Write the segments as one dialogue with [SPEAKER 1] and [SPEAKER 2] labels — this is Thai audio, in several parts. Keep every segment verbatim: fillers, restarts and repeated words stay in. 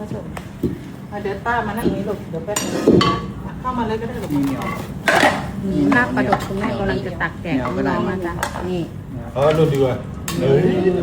[SPEAKER 1] ผสม
[SPEAKER 2] เดี๋ยวป้ามานั่งนี้ลูกเดี๋ยวแป๊บนึงเข้ามาเลยก็ได้ลูก
[SPEAKER 3] มีเหนียว
[SPEAKER 1] นี่ลาบปลาดุกคุณแม่กำลังจะตักแจกน้องๆมาจ้ะนี่
[SPEAKER 4] เออรุ่นดีกว่าเฮ้ย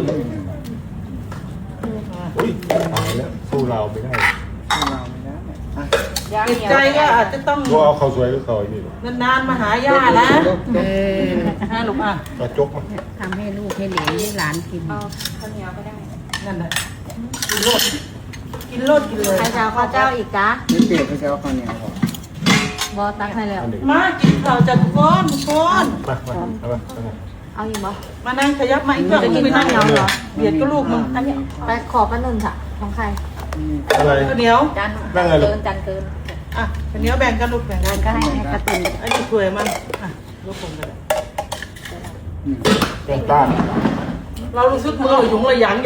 [SPEAKER 4] อุ้ยตายแล้วสู้เราไม่ได้
[SPEAKER 3] เราไม่ได้อ่ะ
[SPEAKER 2] ติดใจก็อาจจะต้อง
[SPEAKER 4] ก็เอาข้าวสวยก็เขาไอ้นี่
[SPEAKER 2] นานๆมาหาย่านะ
[SPEAKER 1] เออ
[SPEAKER 2] ฮะลูกอ่ะ
[SPEAKER 4] กระจกมา
[SPEAKER 1] ทำให้ลูกให้เหลนให้หลานกิน
[SPEAKER 5] เอาข้าวเหนียวก็ได้
[SPEAKER 2] นั่นแหละกินโลดกินโลดกินเลย
[SPEAKER 5] ใครจะเอาข้าวเจ้าอีกจ้า
[SPEAKER 3] ไม่เปลี่ยนเขาจะเอาข้าวเหนียวก่อน
[SPEAKER 5] บอตักให้แล้ว
[SPEAKER 4] อันนี้
[SPEAKER 2] มากินข้าวจากก้อนก้อน
[SPEAKER 4] มามาเอามาเอามา
[SPEAKER 5] เอาอีกบอ
[SPEAKER 2] มานั่งขยับมาอีกเพื่อนกินข้าวเหนียวเหรอเบียดก็ลูกมึง
[SPEAKER 5] อันนี้ไปขอป้าหนึ่งค่ะของใคร
[SPEAKER 4] อะไร
[SPEAKER 2] ข้าวเหนียว
[SPEAKER 5] จาน
[SPEAKER 4] นั่งไงลูก
[SPEAKER 5] เกินจานเกิน
[SPEAKER 2] อ่ะข้าวเหนียวแบ่งกันลูกแบ่งกัน
[SPEAKER 5] ก็ให้ให้กระตุน
[SPEAKER 2] อันนี้ถ้วยมันอ่ะลูกผมกัน
[SPEAKER 3] อืม
[SPEAKER 4] แกงต้าน
[SPEAKER 2] เรารู้สึกมือหยุงระยังใหญ่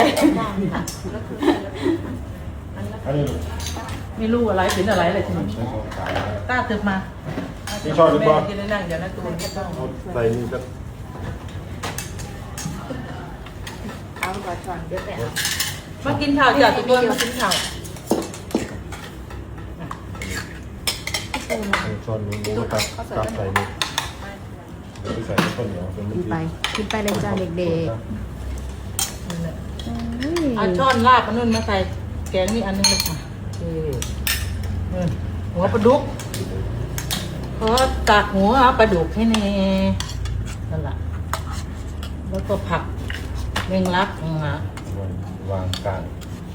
[SPEAKER 4] อันนี้ลูก
[SPEAKER 2] ไม่รู้อะไรเป็นอะไรเลยทีนี้
[SPEAKER 4] ใช้ของขาย
[SPEAKER 2] ต้าเติมมา
[SPEAKER 4] ไม่ชอบหรือเปล่า
[SPEAKER 2] แม่กินได้นั่งเดี๋ยวนะตูนก็ต้อง
[SPEAKER 4] เอาใส่นี่ก็
[SPEAKER 5] เอาก่อนก่อนเดี๋ยวแต่
[SPEAKER 2] มากินข้าวจ้ะทุกคนมากินข้าว
[SPEAKER 4] ช้อนนี้ก็ตักตักใส่นี่เดี๋ยวไปใส่ข้าวเหนียวเป็น
[SPEAKER 1] กินไปกินไปเลยจ้าเด็ก
[SPEAKER 2] นั่นแหละ
[SPEAKER 1] ๆเฮ้ย
[SPEAKER 2] เอาช้อนลาบอันนู้นมาใส่แกงนี่อันนึงเลยค่ะโอเคเออหัวปลาดุกขอตักหัวปลาดุกให้แน่นั่นแหละแล้วก็ผักเม่งลักนะ
[SPEAKER 4] วางกลาง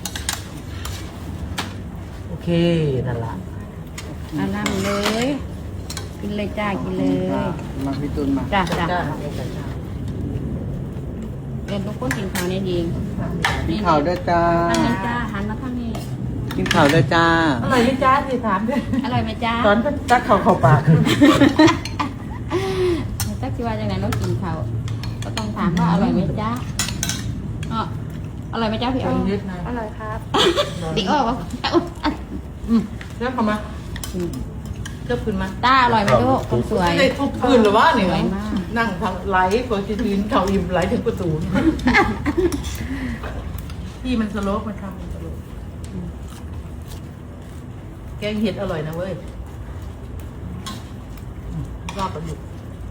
[SPEAKER 2] โอเคนั่นแหละ
[SPEAKER 1] เอานั่งเลย กินเลยจ้ากินเลย
[SPEAKER 3] มาพี่ตุนมา
[SPEAKER 1] จ้าจ้า
[SPEAKER 2] จ้าเดี๋ยวจ้าจ้า
[SPEAKER 1] เรียนทุกคนกินข้าวเนี่ยดี
[SPEAKER 3] กินข้าวด้วยจ้า
[SPEAKER 1] ทางนี้จ้าหันมาทางนี้
[SPEAKER 3] กินข้าวด้วยจ้า
[SPEAKER 2] อร่อยไหมจ้าสิถามด้วย
[SPEAKER 1] อร่อยไหมจ้า
[SPEAKER 2] ตอนก็จักเข่าเข่าปาก
[SPEAKER 1] จักสิว่าจังไหนน้องกินข้าวก็ต้องถามว่าอร่อยไหมจ้าอ๋ออร่อยไหมจ้าพี่อ๋อ
[SPEAKER 2] นิดหน่อย
[SPEAKER 5] อร่อยครับ
[SPEAKER 1] ติ๊กออกว่า
[SPEAKER 2] อืมเริ่มเข้ามาเริ่มขึ้นมา
[SPEAKER 1] ตาอร่อยไหมลูกคนสวย
[SPEAKER 2] ไม่ได้ทุบพื้นหรือว่าเนี่ย
[SPEAKER 1] สวยมาก
[SPEAKER 2] นั่งทางไหลโฟจิทีนเข่าอิ่มไหลถึงประตูที่มันสโลปมันทำมันสโลปแกงเห็ดอร่อยนะเว้ยอืมรอบประยุกต์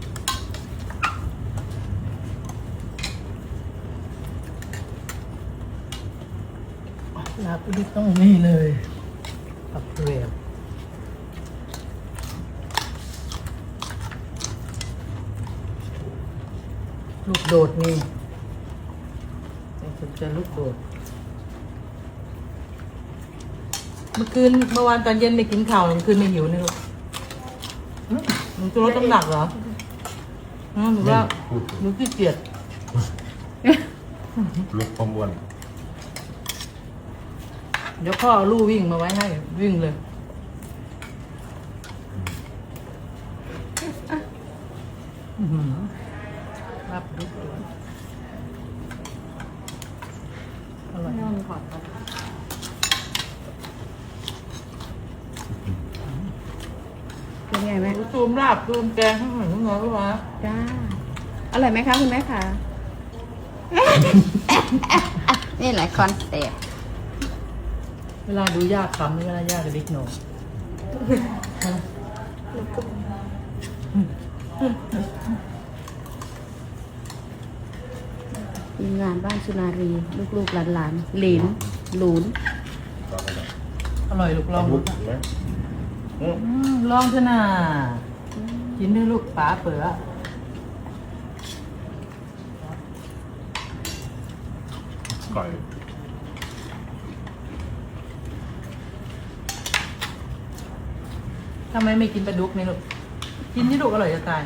[SPEAKER 2] ลาบประยุกต์ต้องนี่เลยปักเปรียวลูกโดดนี่สนใจลูกโดด เมื่อคืนเมื่อวานตอนเย็นไม่กินข้าวเมื่อคืนไม่หิวนี่ลูกหึหนูจะลดน้ำหนักเหรอฮะหนูว่าหนูขี้เกียจ
[SPEAKER 4] ลุกประมวล
[SPEAKER 2] เดี๋ยวพ่อเอาลู่วิ่งมาไว้ให้วิ่งเลยอื้อหือรับดุกด้วยอร่อย
[SPEAKER 1] นอนขอดเป็นไงแม่
[SPEAKER 2] ตูมลาบตูมแกงข้างหลังข้างนอกรู้ไหม
[SPEAKER 1] จ้า อร่อยไหมคะคุณแม่คะนี่แหละคอนเซ็ปต์
[SPEAKER 2] เวลาดูยากคำนี่เวลายากกับเด็กหน่อย
[SPEAKER 1] ทีมงานบ้านสุนารี ลูกๆหลานๆหลินหลูน
[SPEAKER 2] อร่อยลูกลอง
[SPEAKER 4] ลุ
[SPEAKER 2] ดู
[SPEAKER 4] กไหม
[SPEAKER 2] อืมลองเถอะนะกินด้วยลูกป๋าเป๋อ
[SPEAKER 4] ไก่
[SPEAKER 2] ทำไมไม่กินปลาดุกนี่ลูก กินที่ลูกอร่อยจะตาย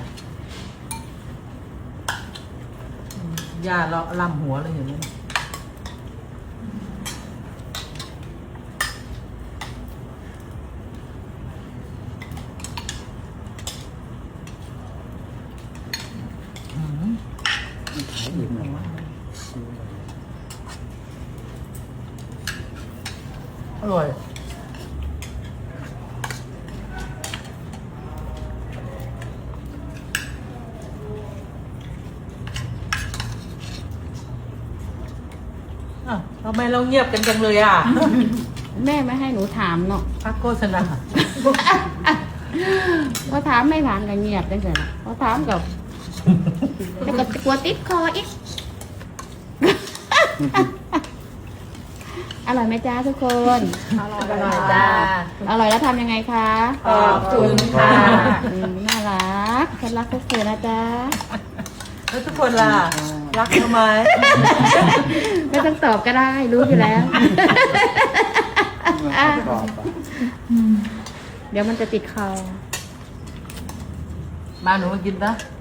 [SPEAKER 2] อืมย่าเราลำหัวเลยอย่างนี้อืม
[SPEAKER 3] ขายอีกหน่อย
[SPEAKER 2] อร่อย อ่ะทำไมเราเงียบกันจังเลยอ่ะ
[SPEAKER 1] แม่ไม่ให้หนูถามเนาะ
[SPEAKER 2] พักโฆษณา
[SPEAKER 1] พอถามไม่ถามก็เงียบจังเลยพอถามกับแล้วก็กลัวติดคออีก อร่อยไหมจ้าทุกคน
[SPEAKER 5] อร่อย
[SPEAKER 2] อร่อยจ้า
[SPEAKER 1] อร่อยแล้วทำยังไงคะ
[SPEAKER 2] ขอบคุณค่ะ
[SPEAKER 1] อืมน่ารักฉันรักพวกเธอนะจ๊ะ
[SPEAKER 2] แล้วทุกคนล่ะ รักทำไม
[SPEAKER 1] ไม่ต้องตอบก็ได้รู้อยู่แล้ว อ่ะ
[SPEAKER 3] กรอบอ่ะ
[SPEAKER 1] เดี๋ยวมันจะติดคอ
[SPEAKER 2] มาหนูมากินนะ
[SPEAKER 1] อ